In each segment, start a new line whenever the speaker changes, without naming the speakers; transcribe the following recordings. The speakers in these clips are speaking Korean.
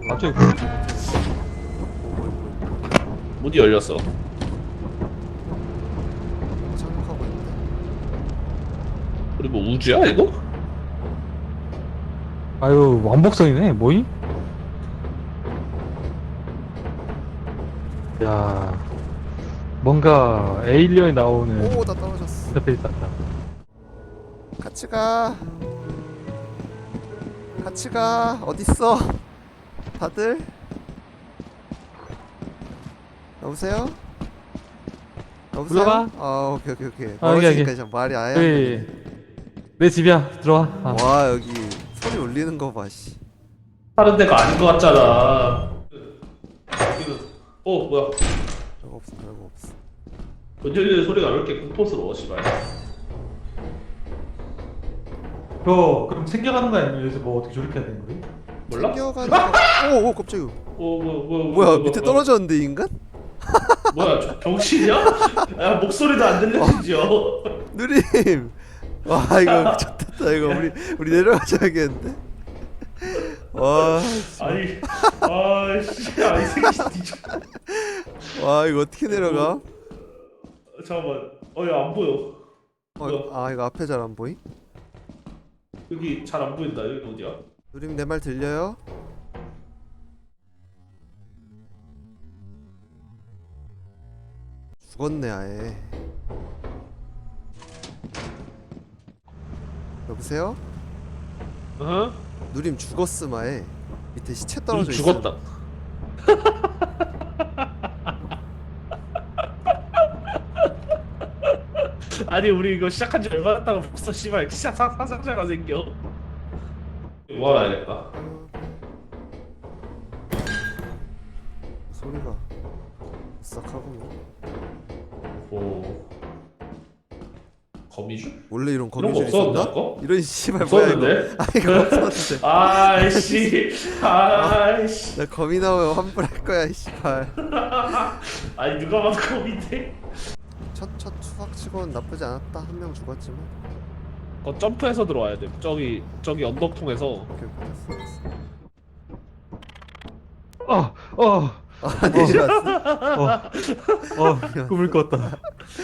갑자기
문이 열렸어.
착륙하고 있는데.
우리 뭐 우주야 이거?
아유 왕복선이네 뭐이? 야 뭔가 에일리언이 나오는
오, 나 떨어졌어.
인터페이스 같다.
같이 가. 같이 가. 어딨어? 다들? 여보세요? 여보세요?
올라가.
아, 오케이, 오케이, 오케이.
아, 여기,
멀어지니까
여기.
이제 말이 아예 안
여기
들리네.
내 집이야 들어와. 아.
와, 여기 소리 울리는 거 봐, 씨.
다른 데가 아닌 것 같잖아. 뭐야?
별거 없어, 별거 없어.
문열리는 소리가 왜 이렇게 공포스러워, 씨발.
그거 그럼 챙겨가는 거 아니면 여기서 뭐 어떻게 조립해야 되는 거지?
몰라?
챙겨가지고. 오, 오, 갑자기.
뭐야?
밑에 떨어졌는데, 인간?
뭐야? 병신이야? 야 목소리도 안 들려지죠?
누님! 와, 이거 미쳤다, 이거. 우리 내려가자겠는데? 와,
아니, 아씨, 아이 새끼 뒤져.
와, 이거 어떻게 내려가?
잠깐만, 야 안 보여.
아, 이거 앞에 잘 안 보이?
여기 잘 안 보인다. 여기 어디야?
누님 내 말 들려요? 죽었네 아예. 여보세요?
어?
누님 죽었음 아예. 밑에 시체 떨어져 있어.
죽었다. 아니 우리 이거 시작한 지 얼마 됐다고 벌써 씨발 시작 사상자가 생겨. 모아야겠다.
소리가 싹하구나.
오. 거미줄?
원래 이런
이런 거
거미줄
없었나?
있었나?
아까?
이런 씨발 뭐야 이거?
없었는데?
아 이거 없었는데.
아이씨, 아이씨.
나 거미 나오면 환불할 거야 이 씨발.
아니 누가 봐도 거미인데?
첫 수학치고는 나쁘지 않았다. 한 명 죽었지만.
거 점프해서 들어와야 돼. 저기 언덕 통해서.
오케이 오케이 됐어. 아
어,
내려왔어.
꿈을 꿨다.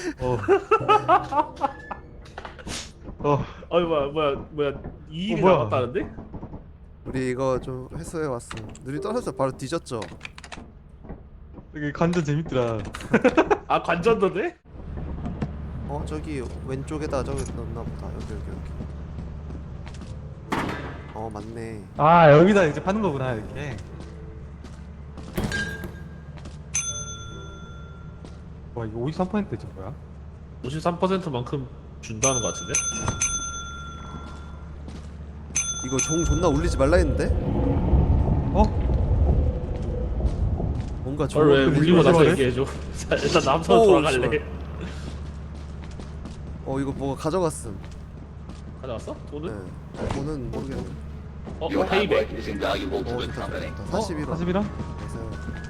어이 뭐야 이 일이
뭐야?
남았다는데?
우리 이거 좀 회수해 왔어. 누님 떨어져서 바로 뒤졌죠?
되게 관전 재밌더라.
아 관전도 돼?
저기 왼쪽에다 저기 넣나 보다. 여기. 맞네.
아 여기다 이제 파는 거구나 이렇게. 와 이거 53%지 뭐야?
53%만큼 준다는 것 같은데?
이거 종 존나 울리지 말라 했는데?
어?
뭔가
저를 왜
울리지
울리고 나서
말래?
얘기해줘. 자, 일단 남선
오,
돌아갈래.
씨발. 이거 뭐가 가져갔음.
가져왔어? 돈은?
네. 돈은 모르겠네.
페이백.
is invaluable to the
좋다
company.
좋다. 41원.
41원?
그래서